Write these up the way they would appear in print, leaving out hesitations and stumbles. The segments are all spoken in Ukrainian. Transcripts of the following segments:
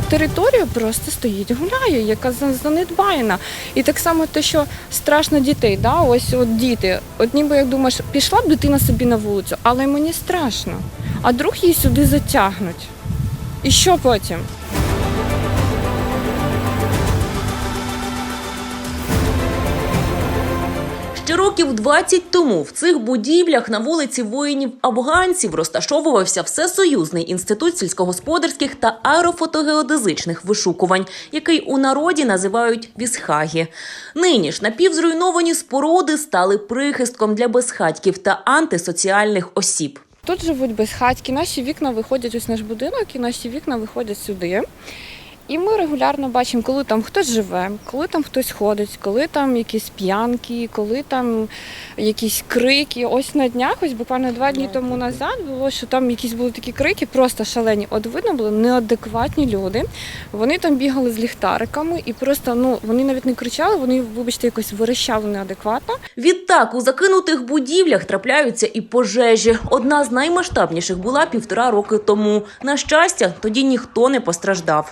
територія просто стоїть, гуляє, яка занедбаєна. І так само те, що страшно дітей, да? Ось от діти, от ніби як думаєш, пішла б дитина собі на вулицю, але мені страшно, а вдруг її сюди затягнуть. І що потім? Ще років 20 тому в цих будівлях на вулиці воїнів-афганців розташовувався Всесоюзний інститут сільськогосподарських та аерофотогеодезичних вишукувань, який у народі називають Вісхагі. Нині ж напівзруйновані споруди стали прихистком для безхатьків та антисоціальних осіб. Тут живуть безхатьки, наші вікна виходять, ось наш будинок, і наші вікна виходять сюди. І ми регулярно бачимо, коли там хтось живе, коли там хтось ходить, коли там якісь п'янки, коли там якісь крики. Ось на днях, ось буквально 2 дні тому назад було, що там якісь були такі крики, просто шалені. От видно були неадекватні люди. Вони там бігали з ліхтариками і просто, вони навіть не кричали, вони, вибачте, якось верещали неадекватно. Відтак, у закинутих будівлях трапляються і пожежі. Одна з наймасштабніших була 1,5 роки тому. На щастя, тоді ніхто не постраждав.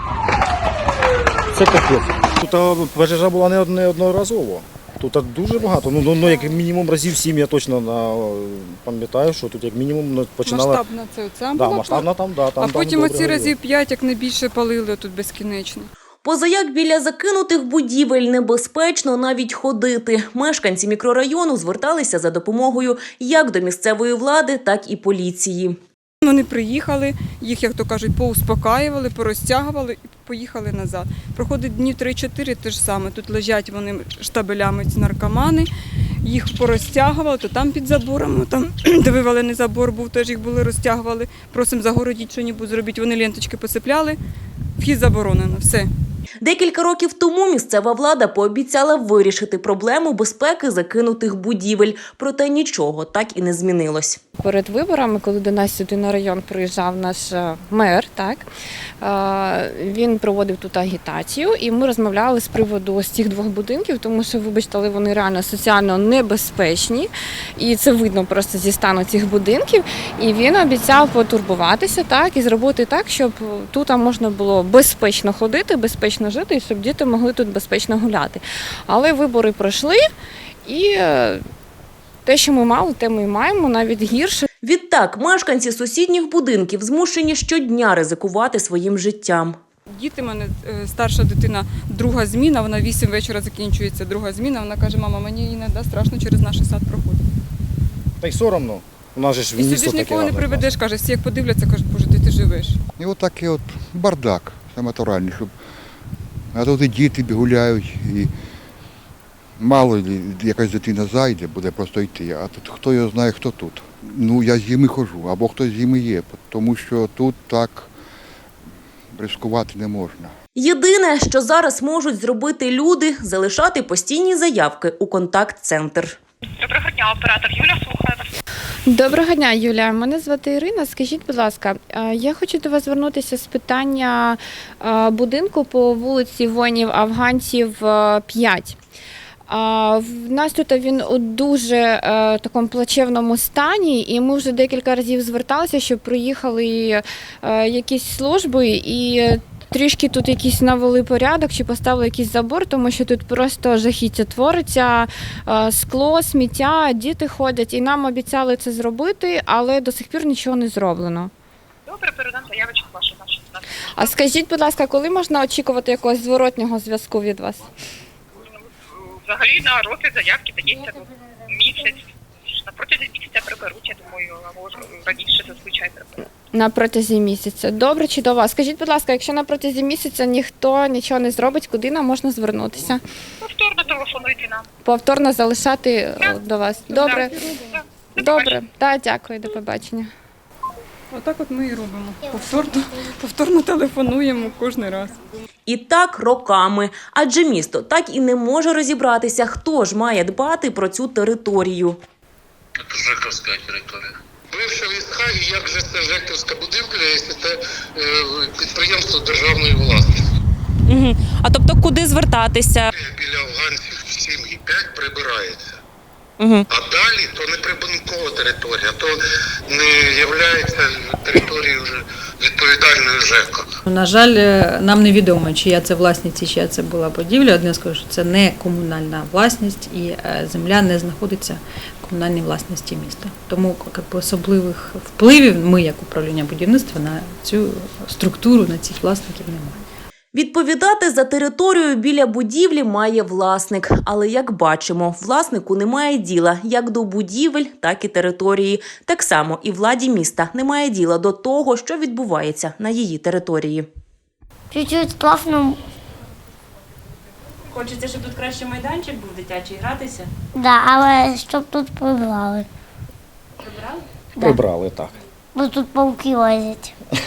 Це капець. Тут пожежа була не одноразово. Тут дуже багато. Як мінімум разів 7 я точно пам'ятаю, що тут як мінімум починала... Масштабна це була? Масштабна там. А потім оці разів 5, як не більше, палили тут безкінечно. Позаяк біля закинутих будівель небезпечно навіть ходити. Мешканці мікрорайону зверталися за допомогою як до місцевої влади, так і поліції. Вони приїхали, їх, як то кажуть, поуспокаювали, порозтягували і поїхали назад. Проходить днів 3-4, те ж саме. Тут лежать вони штабелями, ці наркомани. Їх порозтягували, то там під забором, там, де вивалений забор був, теж їх були розтягували. Просимо загородіть, що-небудь зробіть. Вони ленточки посипляли, вхід заборонено, все. Декілька років тому місцева влада пообіцяла вирішити проблему безпеки закинутих будівель. Проте нічого так і не змінилось. Перед виборами, коли до нас сюди на район приїжджав наш мер, так, він проводив тут агітацію, і ми розмовляли з приводу ось цих 2 будинків, тому що, вибачте, але вони реально соціально небезпечні, і це видно просто зі стану цих будинків. І він обіцяв потурбуватися, так, і зробити так, щоб тут можна було безпечно ходити, безпечно жити, і щоб діти могли тут безпечно гуляти. Але вибори пройшли, і те, що ми мали, те ми і маємо, навіть гірше. Відтак, мешканці сусідніх будинків змушені щодня ризикувати своїм життям. Діти, в мене старша дитина, 2 зміна, вона 8 вечора закінчується 2 зміна, вона каже: мама, мені іноді страшно через наш сад проходити. Та й соромно. У нас же ж І місто сюди ж таке. нікого не приведеш, каже, всі як подивляться, кажуть, боже, де ти живеш. І отакий бардак, це натуральний, щоб... А тут і діти гуляють, і мало якась дитина зайде, буде просто йти, а тут хто його знає, хто тут. Я з зими ходжу, або хтось з зими є, тому що тут так ризикувати не можна. Єдине, що зараз можуть зробити люди – залишати постійні заявки у контакт-центр. Доброго дня, оператор Юля, слухаю вас. Доброго дня, Юлія. Мене звати Ірина. Скажіть, будь ласка, я хочу до вас звернутися з питання будинку по вулиці воїнів-афганців 5. В нас тут він у дуже такому плачевному стані, і ми вже декілька разів зверталися, щоб приїхали якісь служби і трішки тут якийсь навели порядок чи поставили якийсь забор, тому що тут просто жахіття твориться, скло, сміття, діти ходять. І нам обіцяли це зробити, але до сих пір нічого не зроблено. Добре, передам заявочку вашу. А скажіть, будь ласка, коли можна очікувати якогось зворотнього зв'язку від вас? Взагалі на розгляд заявки дається місяць. На протязі місяця приберуть, я думаю, або раніше зазвичай приберуть. На протязі місяця. Добре, чудово. Скажіть, будь ласка, якщо на протязі місяця ніхто нічого не зробить, куди нам можна звернутися? Повторно телефонуйте нам. Повторно залишати до вас. Добре. Так. Добре. Так, дякую, до побачення. Отак от ми і робимо. Повторно телефонуємо кожен раз. І так роками. Адже місто так і не може розібратися, хто ж має дбати про цю територію. Це ЖЕКовська територія. Бивша Вісхагі, як же це ЖЕКовська будівля, якщо це підприємство державної власності. А тобто куди звертатися? Біля афганців 7 і 5 прибирається. Угу. А далі то не прибудинкова територія, то не є територією вже відповідальною ЖЕКа. На жаль, нам невідомо, чия це власність і чия це була будівля. Одне скажу, що це не комунальна власність і земля не знаходиться в комунальній власності міста. Тому особливих впливів ми, як управління будівництва, на цю структуру, на цих власників немає. Відповідати за територію біля будівлі має власник. Але, як бачимо, власнику немає діла як до будівель, так і території. Так само і владі міста немає діла до того, що відбувається на її території. Чуть-чуть класно, Хочеться, щоб тут краще майданчик був дитячий, гратися. да, але щоб тут прибрали. Прибрали? Да. Прибрали, так. Бо тут пауки лазять.